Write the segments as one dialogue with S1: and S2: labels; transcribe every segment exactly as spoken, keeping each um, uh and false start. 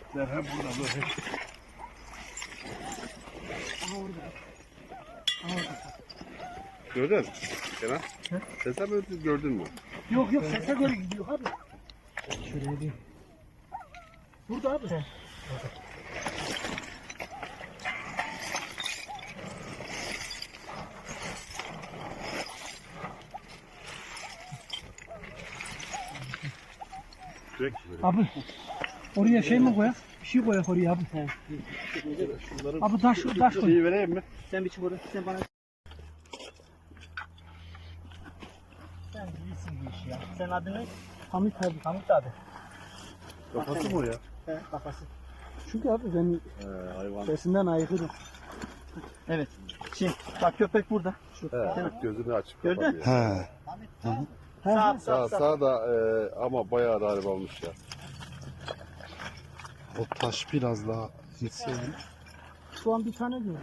S1: Derhal burada böyle. Gördün mü? Kenan. Sen sen böyle gördün mü?
S2: Yok yok sese göre gidiyor abi. Şuraya değil. Burada abi. He.
S1: Sürekli böyle.
S2: Abi oraya şey mi koyak? Bir şey koyak oraya abi. He.
S1: Şunları
S2: Abi taş taş koy.
S1: şeyi vereyim mi?
S2: Sen bir çık oraya. Sen bana. Sen iyisin bu iş ya. Sen adın ne? Hamit abi. Hamit abi.
S1: Kafası mı o ya?
S2: He kafası. Çünkü abi ben
S1: He, hayvan.
S2: sesinden aykırı. Evet. Şimdi bak köpek burada. Şu.
S1: He, gözünü açıp
S2: Gördün?
S1: kapatıyor.
S3: He.
S2: Sağ
S1: Sağ, sağ da e, ama bayağı da harbi olmuş ya.
S3: O taş biraz daha gitseydi.
S2: Şu an bir tane görüyorum.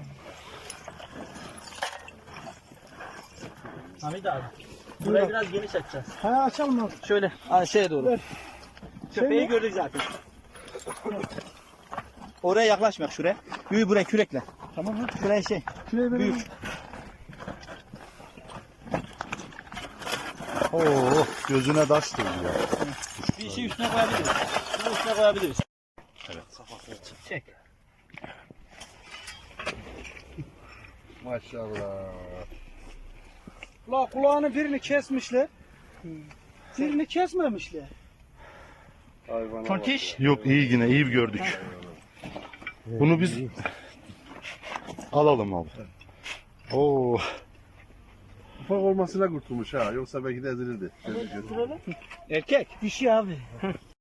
S2: Hamid abi. Burayı biraz geniş açacağız. Ha açalım abi. Şöyle şeye doğru. Ver. Köpeği
S3: Şey
S2: gördük zaten. Oraya yaklaşmak şuraya. Büyü buraya kürekle. Tamam mı? Şuraya şey. Şuraya büyük.
S3: Oo, gözüne taş değdi ya.
S2: Bir şey üstüne koyabiliriz. Bunu üstüne koyabiliriz.
S1: Evet.
S2: Çek.
S1: Maşallah.
S2: La kulağının birini kesmişler. Birini kesmemişler.
S1: Hayvana bak
S2: Tontiş.
S1: ya.
S3: Yok iyi yine iyi gördük. Bunu biz alalım abi. Oo,
S1: Ufak olmasına kurtulmuş ha. Yoksa belki de ezilirdi.
S2: Erkek. Dişi abi.